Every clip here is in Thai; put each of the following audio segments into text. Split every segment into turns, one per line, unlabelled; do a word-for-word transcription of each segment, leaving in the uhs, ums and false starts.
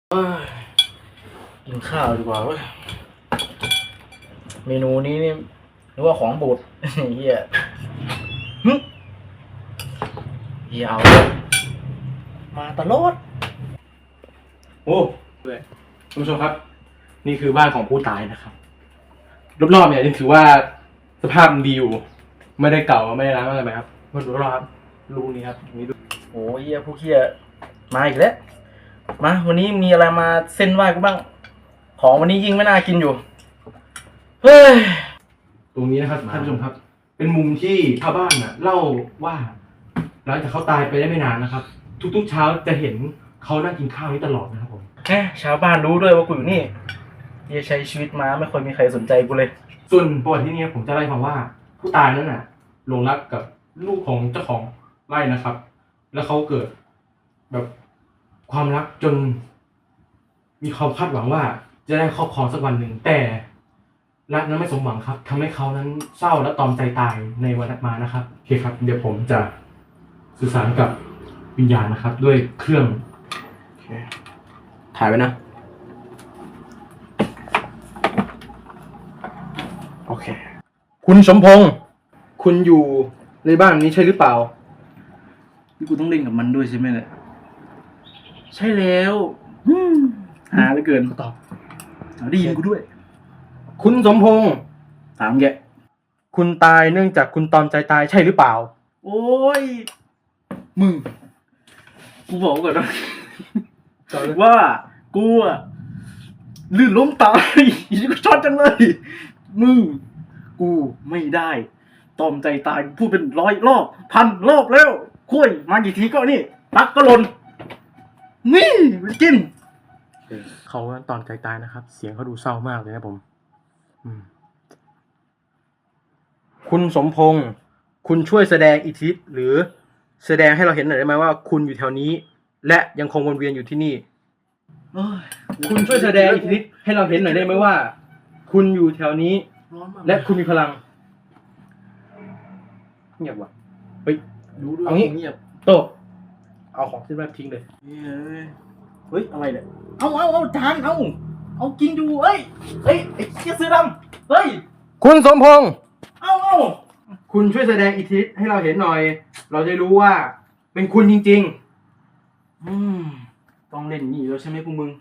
กินข้าวดีกว่าเว้ยเมนูนี้นี่นึกว่าของบูดเฮียฮึเฮียเอามาตลอดโอ้เลยคุณผู้ชมครับนี่คือบ้านของผู้ตายนะครับรอบๆเนี่ยยังถือว่าสภาพดีอยู่ไม่ได้เก่าไม่ได้ร้างอะไรไหมครับมาดูรอบๆรูนี้ครับนี่ดูโอ้เฮียผู้เฮียมาอีกแล้วมาวันนี้มีอะไรมาเส้นไหว้กูบ้างของวันนี้ยิ่งไม่น่ากินอยู่เฮ้ยตรงนี้นะครับท่านผู้ชมครับเป็นมุมที่ชาวบ้านน่ะเล่าว่าหลังจากเขาตายไปได้ไม่นานนะครับทุกๆเช้าจะเห็นเขานั่งกินข้าวนี้ตลอดนะครับผมแหมชาวบ้านรู้ด้วยว่ากูอยู่นี่ยังใช้ชีวิตมาไม่ค่อยมีใครสนใจกูเลยส่วนประวัติที่นี่ผมจะเล่าให้ฟังว่าผู้ตายนั้นน่ะหลงรักกับลูกของเจ้าของไร่นะครับแล้วเขาเกิดแบบความรักจนมีความคาดหวังว่าจะได้ครอบครองสักวันหนึ่งแต่รักนั้นไม่สมหวังครับทำให้เขานั้นเศร้าและตอมใจตายในวันถัดมานะครับโอเคครับเดี๋ยวผมจะสื่อสารกับวิญญาณนะครับด้วยเครื่องถ่ายไว้นะโอเคคุณสมพงษ์คุณอยู่ในบ้านนี้ใช่หรือเปล่านี่กูต้องเล่นกับมันด้วยใช่ไหมเนี่ยใช่แล้วหาเหลือเกินก็ตอบได้ยินกูด้วยคุณสมพงษ์ถามแกคุณตายเนื่องจากคุณตอมใจตายใช่หรือเปล่าโอ้ยมึงกูบอกก่อนนะว่ากูอะลื่นล้มตายอีกช็อตจังเลยมึงกูไม่ได้ตอมใจตายพูดเป็นร้อยรอบพันรอบแล้วคุยมากี่ทีก็นี่ตักก็หล่นนี่ไปกินเขาตอนใจตายนะครับเสียงเขาดูเศร้ามากเลยนะผมคุณสมพงษ์คุณช่วยแสดงอิทธิฤทธิ์หรือแสดงให้เราเห็นหน่อยได้ไหมว่าคุณอยู่แถวนี้และยังคงวนเวียนอยู่ที่นี่คุณช่วยแสดงอิทธิฤทธิ์ให้เราเห็นหน่อยได้ไหมว่าคุณอยู่แถวนี้และคุณมีพลังเงียบว่ะเฮ้ยดูด้วยเอางี้เงียบโตเอาของที่แรกทิ้งเลยเฮ้ยอะไรเนี่ยเอาเอาเอาจานเอาเอากินดูเอ้ยเฮ้ยไอ้เชี่ยเสื้อดำเฮ้ยคุณสมพงษ์เอาเอาคุณช่วยแสดงอิทธิฤทธิ์ให้เราเห็นหน่อยเราจะรู้ว่าเป็นคุณจริงๆอืมต้องเล่นนี่แล้วใช่ไหมพวกมึง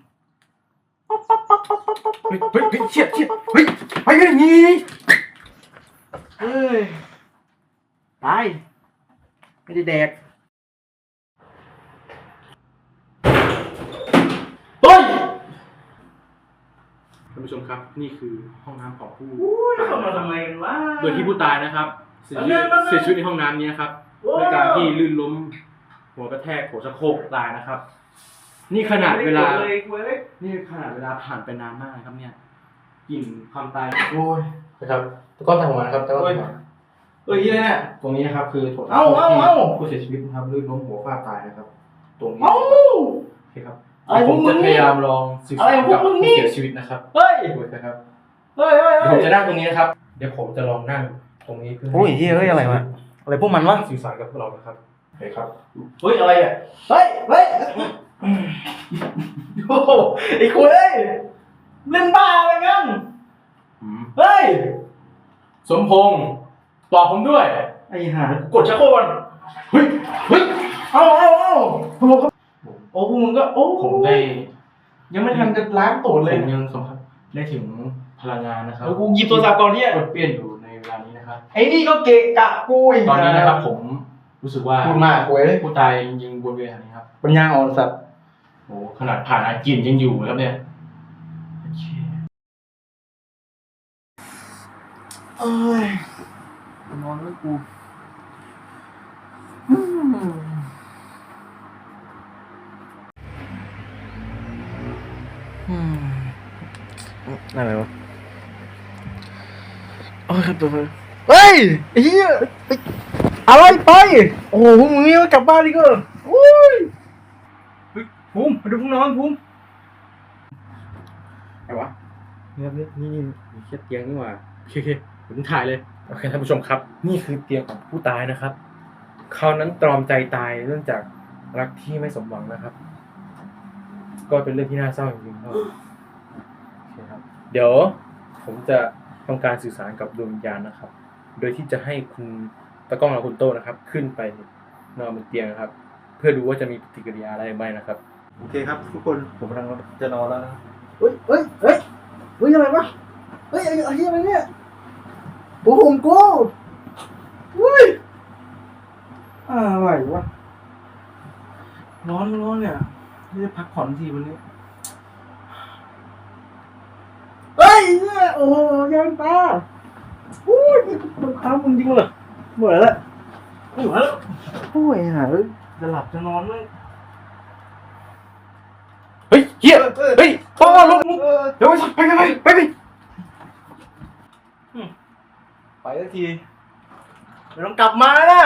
เฮ้ยเฮ้ยเฮ้ยเชี่ยเชี่ยเฮ้ยไปกันอย่างนี้เฮ้ยตายไม่ได้แดกเฮ้ยท่านผู้ชมครับนี่คือห้องน้ำของผู้ตายมาทำไมกันวะโดยที่ผู้ตายนะครับเสียชีวิตเสียชีวิตในห้องน้ำนี้นะครับด้วยการที่ลื่นล้มหัวกระแทกหัวสะโพกตายนะครับนี่ขนาดเวลานี่ขนาดเวลาผ่านไปนานมากนะครับเนี่ยกลิ่นความตายโอ้ยนะครับตะก้อนทางหัวนะครับตะก้อนทางหัวเอ้ยเนี่ยตรงนี้นะครับคือถั่วที่ผู้เสียชีวิตนะครับลื่นล้มหัวฟาดตายนะครับตรงนี้โอเคครับผมจะพยายามลองสื่อสารกับผู้เสียชีวิตนะครับเฮ้ยนะครับเฮ้ยเฮ้ยผมจะนั่งตรงนี้นะครับเดี๋ยวผมจะลองนั่งตรงนี้เพื่อโอ้ยเฮ้ยอะไรวะอะไรพวกมันวะสื่อสารกับพวกเรานะครับโอเคครับเฮ้ยอะไรอ่ะเฮ้ยเฮ้ยโอ้ไอ้คุยเล่นบ้าอะไรกันเฮ้ยสมพงษ์ตอบผมด้วยไอ้ห่ากดชักโครกเฮ้ยเฮ้ยเอาเอาเอาโอ้โอ้พวกมึงก็โอ้ผมได้ยังไม่ทันจะล้างตูดเลยผมยังสัมผัสได้ถึงพลังงานนะครับกูหยิบโทรศัพท์ก่อนเนี่ยกดเปลี่ยนอยู่ในเวลานี้นะครับไอ้นี่ก็เกะกะกูอีกตอนนี้นะครับผมรู้สึกว่าพูดมากกูเลยผู้ตายยังวนเวียนอย่างนี้ครับปัญญาอ่อนสัตว์โอ้ขนาดผ่านอาจินยังอยู่แล้วเนี่ยเอ้ยนอนแล้วกูอะไรวะโอ้ยครับตัวเฮ้ยไอ้เหี้ยอะไรไปโอ้โหมึงนี่กลับบ้านดิก็โอ้ยภูมิมาดูพวกน้องภูมิไงวะเนี่ยนี่นี่มีแค่เตียงนี่หว่าโอเคโอเคผมถ่ายเลยโอเคท่านผู้ชมครับนี่คือเตียงของผู้ตายนะครับเขานั้นตรอมใจตายเนื่องจากรักที่ไม่สมหวังนะครับ
ก็เป็นเรื่องที่น่าเศร้าจริงๆครับโอเคครับ เดี๋ยวผมจะทำการสื่อสารกับดวงวิญญาณนะครับ โดยที่จะให้คุณตะก้องและคุณโต้นะครับ ขึ้นไปนอนบนเตียงนะครับ เพื่อดูว่าจะมีปฏิกิริยาอะไรไหมนะครับโอเคครับ ทุกคนผมกำลังจะนอนแล้วนะเฮ้ยเฮ้ยเฮ้ยเฮ้ยอะไรวะเฮ้ยอะไรอะไรเนี่ยโอ้โหผมกูเฮ้ยอะไรวะร้อนร้อนเนี่ยไม่ได้พักผ่อนทีวันนี้เฮ้ยเนี่ยโอ้ยังตาอุ้ยมันค้างมึงจริงเหรอเหมือนละไม่ไหวแล้วโอ้ยหาจะหลับจะนอนเลยเฮ้ยเฮียเฮ้ยพ่อลงเดี๋ยวไปไปไปไปไปสักทีเดี๋ยวต้องกลับมานะ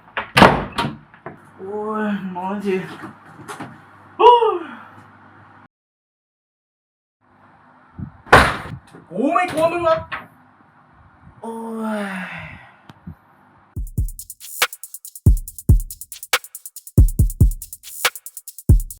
โอ้ยนอนทีกูไม่กลัวมึงหรอกโอ้ย